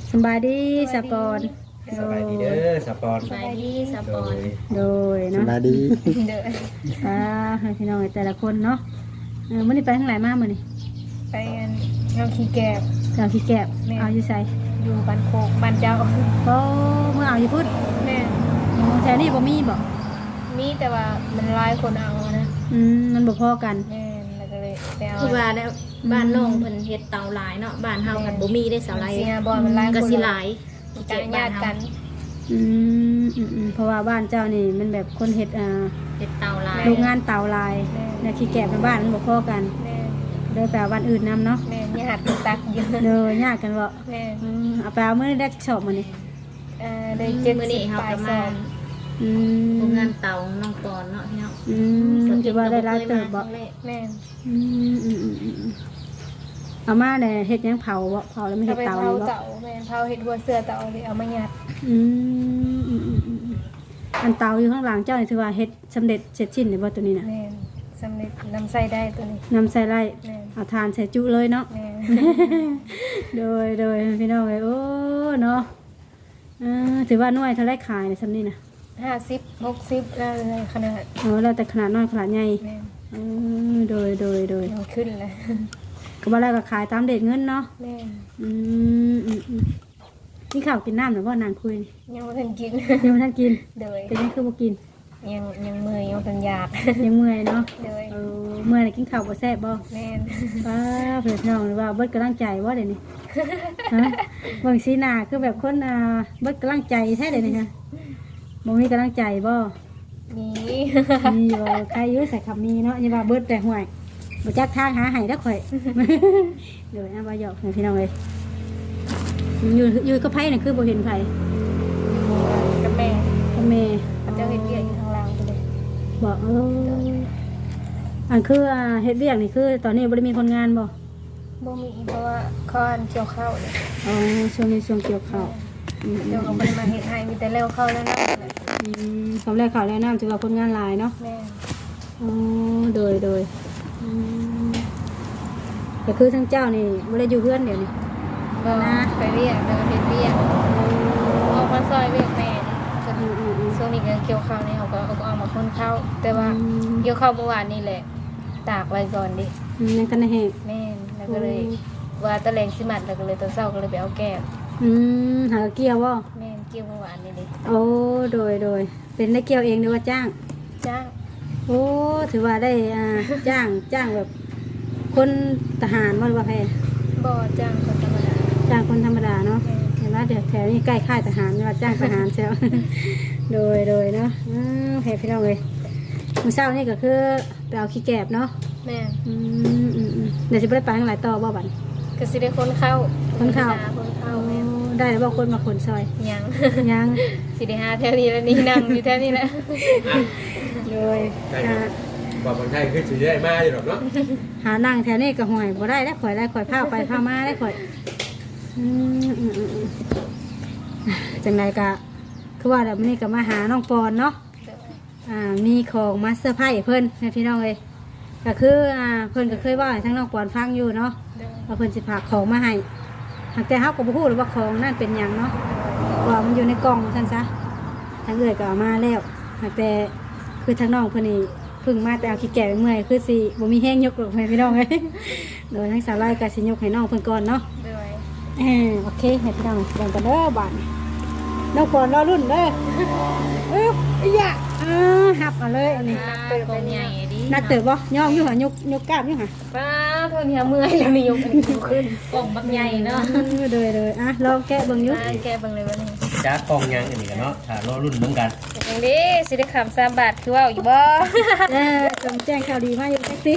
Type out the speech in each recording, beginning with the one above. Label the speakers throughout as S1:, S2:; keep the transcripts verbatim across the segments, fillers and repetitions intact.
S1: สบายดีสปอน
S2: สบายดีเด้อสปอน
S3: สบายดีสปอน
S1: โดย
S4: ส
S1: เนาะ
S4: บายดี
S3: เด้อ
S1: ป้าให้พี่น้องแต่ละคนเนาะเออมื้อนี้ไปทางไหนมามื้อนี้
S3: ไปอันเงาขี้แกบ
S1: เอาขี้แกบ
S3: แม่
S1: เอาอยู่ไส
S3: อยู่บ้านโคกบ้านเจ้า
S1: โอ้มื้อเอาอยู่พุ่น
S3: แม่
S1: อ๋อแถวนี้บ่มีบ่
S3: มีแต่ว่ามันหลายคนเอานะ
S1: อืมมันบ่พอกัน
S3: แม่แล้วก็เลยไปเอา
S5: คือว่าแล้วบ้านน้องเพิ่นเฮ็ดเตาหลายเนาะบ้านเฮากันบ่มีได้เสาหลาย
S3: เสียบอลมันหลายคน
S5: ก็สิหลาย
S3: การญาติกัน
S1: อืมอืมอืมเพราะว่าบ้านเจ้านี่มันแบบคนเฮ็ดอ่า
S5: เฮ็ดเตาหลาย
S1: โรงงานเตาลายและขี้แกบในบ้านมันบ่พอกัน
S3: แม่
S1: เด้อไปเอาบ้านอื่นนํเนาะ
S3: แม่ญาติตักเยอะ
S1: เด้อยากกันบ่
S3: แม่
S1: อืมเอาไปเอามื้อนี้ได้จักชอบมื้อนี้
S3: เอ่อได้เจ็ด
S5: มื้อ
S3: สิ
S5: นี้
S3: บ
S5: เฮา
S3: ปลาย
S5: ก็
S3: ส
S5: มา
S3: อบ
S1: อืม
S5: โรงงานเตาน้องปอนเนาะพี่น้อง
S1: อืมถือว่าได้หลายเติบบ่
S3: แม่
S1: อืมอืมอืมอืมอืมเอามาเนี่ยเฮ็ดหยังเผาบ่เผาแล้วไม่
S3: เอา
S1: เฮ็ด
S3: ไป
S1: เตา
S3: เผา
S1: เลยบ่
S3: เต่าแม่เผาเห็ดหัวเสือเต่าเลยเอามายัด
S1: อืมอืมอืมอืมอืมอันเตาอยู่ข้างหลังเจ้านี่ถือว่าเฮ็ดสำเร็จเสร็จสิ้นหรือบ่ตัวนี้น่ะ
S3: แม่สำเร็จนำใส่ได้ตัวนี้
S1: นำใส่ไร่
S3: แม่
S1: เอาทานใส่จุเลยเนาะ
S3: แม่
S1: โดยโดยพี่น้องเอ้ยโอ้เนาะเออถือว่าน้อยเท่าไรขายเนี่ยซำนี้น่ะ
S3: ห้าสิบหกสิบแล้วเลยขนาด
S1: เออแล้วแต่ขนาดน้อยขนาดใหญ่
S3: แม่
S1: เออโดยโดยโดย
S3: ยังขึ้นเลย
S1: ก็บ่แล้วก็ขายตามเด็ดเงินเนาะ
S3: แม่
S1: อืมอืมอืมกินข้าวกินน้ำหรือว่านางคุยนี่
S3: ยังไม่ทันกิน
S1: ยังไม่ทันกิน
S3: โดย
S1: เป็นยังคือบ่กิน
S3: ยังยังมือยังทันหยาด
S1: ยังเมื่อยเนาะ
S3: โดย
S1: เออเมื่อยน่ะกินข้าวบ่แซ่บบ่
S3: แม่
S1: ป้าเพื่อนน้องหรือว่าเบิดกำลังใจบ่เดี๋ยวนี้ฮะเบิ่งสีหน้าคือแบบคนอ่าเบิดกำลังใจแท้เดี๋ยวนี้ฮะบ่มีกำลังใจบ่
S3: มี
S1: มีบ่ใครอยู่ใส่คำมีเนาะอย่าว่าเบิดแต่ห่วยบ่จักทางหาให้เด้อข่อย เดี๋ยวนะบ่หยอกให้พี่น้องเอ้ยอยู่อยู่กับไผน่ะคือบ่เห็นไผ
S3: กับแม่
S1: กับแม่
S3: เขาจะเห็นเรียกอยู่ข้างล่างไปเลย
S1: บ่เอออันคืออ่าเฮ็ดเวียกนี่คือ ตอนนี้บ่ได้มีคนงานบ่
S3: บ่มีเพราะว่าข้อนเกี่ยวข้าวเลย
S1: อ๋อช่วงนี้ช่วงเกี่ยวข้าวอืม
S3: เดี๋ยวเขาไปมาเห็ดให้มีแต่เร็วเข้าแล้วนะ
S1: อืมสำแรกข่าวแล้วน้ำถือว่าคนงานหลายเนาะ
S3: แม่
S1: อ๋อโดยโดยอืมแต่คือทั้งเจ้านี่ไม่ได้อยู่เพื่อนเดี๋ยวนี้
S3: ก็ไปเรียกเดินเห็ดเรียกเอามาซอยเวียกแม่ส่วน
S1: อืมอืมอืม
S3: ช่วงนี้ก็เกี่ยวข้าวนี่เขาก็เอาเอามาคนเข้าแต่ว่าเกี่ยวข้าวเมื่อวานนี่แหละ ตากไว้ก่อนดิ
S1: อืมยังกันแห้ง
S3: แม่นแล้วก็เลยว่าตะแลงสิมัดแล้วก็เลยตอนเช้าก็เลยไปเอาแก้ว
S1: อืมหาเกี่ยวว่า
S3: แม่นเกี่ยวเมื่อวานนี่ดิ
S1: โอ้โดยโดยเป็นได้เกี่ยวเองหรือว่าจ้าง
S3: จ้าง
S1: โอ้ถือว่าได้อ่าจ้างจ้างแบบ คนทหารว่าหรือว่าแพน
S3: บ่จ้างคนธรรมดา
S1: จ้างคนธรรมดาเนาะ
S3: แม่น
S1: เห็นว่าเดี๋ยวแถวนี้ใกล้ค่ายทหารว่าจ้างทหารใช่ไหม โดยโดยเนาะอืมแพพี่น้องเลยมื้อเช้านี่ก็คือไปเอาขี้แกบเนาะ
S3: แม่น
S1: อืมอืมอืมเดี๋ยวจะไปได้ไปทางหลายต่อบ่บัน
S3: ก็สิได้คนเข้า
S1: คนเข้า
S3: คนเข้าแม่น
S1: ได้แล้วบอกคนมาขนซอย
S3: ยัง
S1: ยัง
S3: สิได้หาแถวนี้แล้วนี่นั่งอยู่แถวนี้แหละ
S1: โดย
S2: ใช่
S1: หา
S2: บอกคนไทยคือสิได้มาอยู่หรอกเนาะ
S1: หานั่งแถวนี้ก็ห่วยบ่ได้แล้วข่อยได้ข่อยพาไปพามาได้ข่อยอืมอืมอืมอืมจังไรก็คือว่าเดี๋ยวมื้อนี้ก็มาหาน้องปอนเนาะอ่ามีของมาเซอร์ไพรส์เพิ่นให้พี่น้องเลยก็คืออ่าเพิ่นก็เคยว่าให้ทั้งน้องปอนฟังอยู่เนาะว่าเพิ่นสิฝากของมาให้หากแต่เฮาก็บ่ฮู้หรอกว่าของนั่นเป็นหยังเนาะว่ามันอยู่ในกล่องซั่นซะทางเอื้อยก็เอามาแล้วหากแต่คือทางน้องเพิ่นนี่เพิ่งมาแต่เอาขี้แก่ไปเมื่อยคือสิบ่มีแห้งยกหรอกให้พี่น้องเอ้ย โดยทั้งสาวไร่ก็สิยกให้น้องเพิ่นก่อนเนาะ
S3: ด้วย
S1: เออโอเคให้พี่น้องเบิ่งกันเด้อบาดนี้น้องปอนรอรุ่นเด้ออึ๊บอีหยะอ่าหับเอาเลยอันนี้
S5: กองใหญ่ดิ
S1: นักเติบบ่ย่องอยู่หะยกยกกล้ามอยู่หะ
S3: ป้าเท่านี้เมื่อยแล้วนี่ยกอันนี้ขึ้น
S5: กองบักใหญ่เนาะ
S1: อืมเลยเลยอ่ะลองแกะเบิ่งอยู่
S3: มาแกเบิ่งเลยว่านี่
S2: จ้ากองยังอันนี้กันเนาะถ้ารอรุ่นเหมือนกัน
S3: อย่างนี้สิได้คำสามบาทคือว่าอยู่บ่
S1: เออจงแจ้งข่าวดีมาอยู่แท็กซี่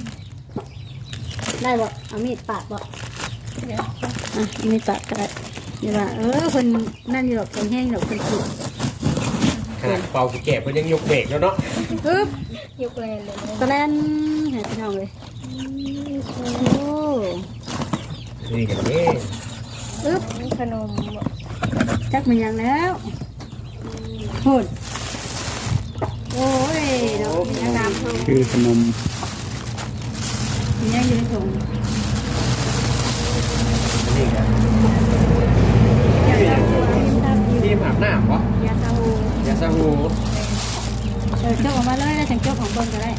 S1: ได้บ่เอามีดปาดบ่อ่ะเอามีดปาดก็ได้นี่ว่าเออเพิ่นนั่นอยู่ดอกเพิ่นแห้งดอกเพิ่นสุด
S2: ขนาดเป่าแก่เพิ่นยังยกเบรกแล้วเนาะ
S1: อึ๊บ
S3: ยกเลยเลย
S1: ตะแลนให้พี่น้องเลยโอ้
S2: นี่กันนี่
S1: อึ๊บ
S3: ขนม
S1: จักมันยังแล้วโหดโอ้ยดอกมันยังดำ
S4: คือขนม
S1: มันยังอยู่ในถุง
S2: นี่กันอย่าง
S1: ทำอยู่
S2: ที่อาบน้ำวะ
S1: ยาซาฮู
S2: ยาสหู
S1: เออจกออกมาเลยแล้วฉันจกของเบิ่งก็ได้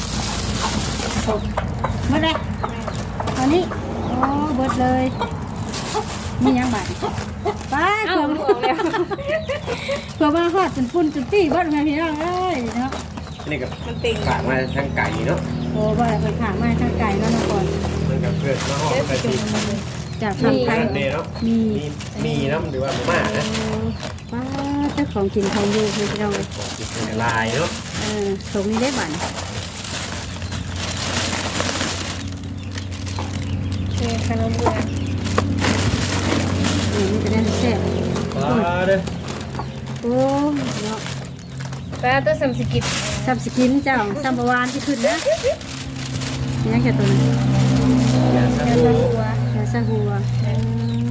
S1: หมดเลยตอนนี้โอ้เบิดเลยมียังบาดป้า
S3: เอ้า
S1: เผื่อ
S3: ลูกออกแล้ว
S1: เผื่อมาฮอดจนปุ่นจนปี้เบิดมาพี่น้องเอ้ยเนาะ
S2: อันนี้ก็
S3: มันติ่ง
S2: ฝากมาทางไก่เนาะ
S1: โอ้บ่ได้ไปขางมาทางไก่แล้วนะก่อน
S2: มันก็เกิดมาหอมไปที
S1: จาก
S2: มี
S1: ทางไทย
S2: อันเดเนาะ
S1: มี
S2: มีมีน้ำหรือว่าหม่านะ
S1: ป้าเจ้าของกินของอยู่พี่น้องเอ้ย
S2: กินเป็นลายเนาะ
S1: เออส่งนี่ได้บัตร
S3: เอขนมเบื่อ
S1: เออมันจะได้แซ่บ
S2: ว้าเด้อ
S1: โอ้เนาะ
S3: ป้าตัวสัมสกิต
S1: ซับสกินเจ้าซัมบวานที่ขึ้นนะมียังแค่ตัวนั้น
S2: ยาส
S3: แล้
S2: หู
S3: วก็หัวย
S1: าซาฮัวเออ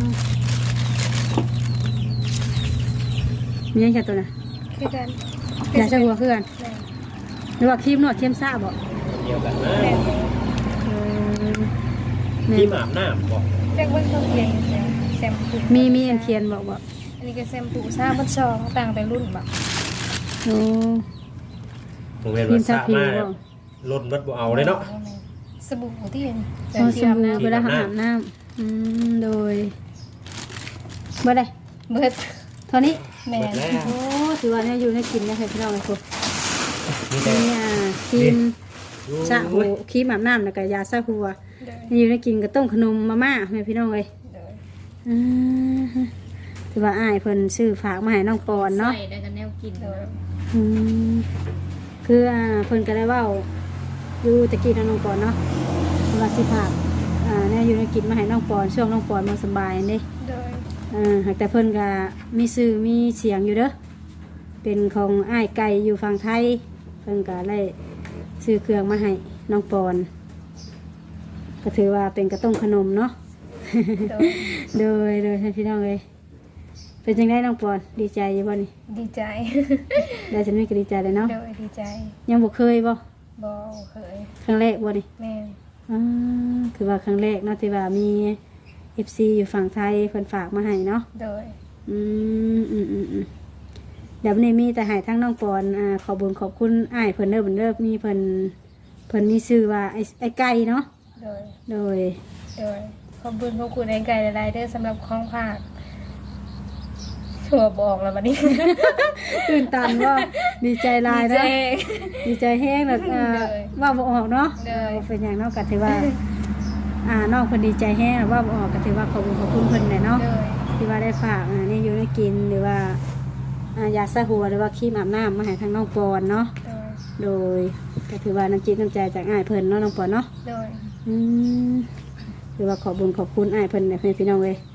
S1: มียังแค่ตัวนั้น
S3: คือกัน
S1: ยาซาฮัวคือกันหรือว่าครีมนวดครีมซ่าบอก
S2: เดียวกันนะ
S3: แม่
S1: เออแม่
S2: ที่อาบน้ำบอก
S3: เรียกว่าเขาเพียงแซมแซมปู
S1: มีมีอันเทียนบอกบอก
S3: อันนี้ก็แซมปูซ่าบัดซองต่างแต่รุ่นแบบ
S1: โอ้
S2: โรงเรียน
S1: ครี
S2: วั
S1: ม
S2: ด
S1: ทา
S2: สะ
S1: ผิว
S2: มา
S1: บอก
S2: ลดวัดบ่เอาเลยเนาะ
S3: สบู่ที่เห็น
S1: พอสบู่เวลาอาบน้ำอืมโดยเมื่อไร
S3: เบิด
S1: เท่านี้
S3: แม่
S2: หมดแล้ว
S1: โอ้ถือว่าเนี่ยอยู่ในกินนะใครพี่น้องไอ้พวก
S2: มีแต่
S1: นี่อ่ะครีมซาหูครีมอาบน้ำแล้วก็ยาซาหัวนี่อยู่ในกินก็ต้มขนมมาม่าแม่พี่น้องเลยอ่าถือว่าอ้ายเพิ่นซื้อฝากมาให้น้องปอนเนาะ
S5: ใส่ได้กันแนวกิน
S1: อืมคืออ่าเพิ่นก็ได้เว้าอยู่ตะกี้น้องปอนเนาะเวลาสิฝากอ่าเนี่ยอยู่ในกินมาให้น้องปอนช่วงน้องปอนมาสบายนี่
S3: โดย
S1: อ่าหากแต่เพิ่นก็มีชื่อมีเสียงอยู่เด้อเป็นของอ้ายไก่อยู่ฝั่งไทยเพิ่นก็ได้ซื้อเครื่องมาให้น้องปอนก็ถือว่าเป็นกระต้มขนมเนาะ
S3: โดย
S1: โดยโดยให้พี่น้องเลยเป็นจังได้น้องปอนดีใจอยู่บ่นี่
S3: ดีใจ
S1: ได้ฉันไม่ก็ดีใจเลยเนาะ
S3: โดยดีใจ
S1: ยังบ่เคยบ่
S3: บอเคย
S1: ครั้งแรกบ่นี่
S3: แม่
S1: อ่าคือว่าครั้งแรกเนาะที่ว่ามี เอฟ ซี อยู่ฝั่งไทยเพิ่นฝากมาให้เนาะ
S3: โดย
S1: อืมอืมอืมอืมเดี๋ยววันนี้มีแต่ให้ทั้งน้องปอนอ่าขอบุญขอบคุณอ้ายเพิ่นเด้อเพิ่นเด้อมีเพิ่นเพิ่นมีชื่อว่าไอ้ไอ้ไก่เนาะ
S3: โดย
S1: โดย
S3: โดยขอบคุณขอบคุณไอ้ไก่หลายๆเด้อสำหรับของฝากชัวร์บอกแล้ววันนี้
S1: ตื่นตันว่าดีใจหลาย
S3: ดี
S1: เนาะ
S3: ใจ
S1: ดีใจแห้งแล้วอ่า
S3: เลย
S1: ว่าบ่ออกเนาะ
S3: เลย
S1: เป็นอย่างเนาะก็ถือว่า อ่าน้องเพิ่นดีใจแห้งแล้วว่าบ่ออกก็ถือว่าขอบคุณขอบคุณเพิ่นแหละเนาะ
S3: โดย
S1: ที่ว่าได้ฝากอ่านี่อยู่ได้กินหรือว่าอ่ายาสระหัวหรือว่าครีมอาบน้ำมาให้ทางน้องปอนเนาะ
S3: โดย
S1: โดยก็ถือว่าน้ำจิตน้ำใจจากอ้ายเพิ่นเนาะน้องปอนเนาะ
S3: โดย
S1: อืมถือว่าขอบคุญขอบคุณอ้ายเพิ่นในเพื่อนพี่น้องเลย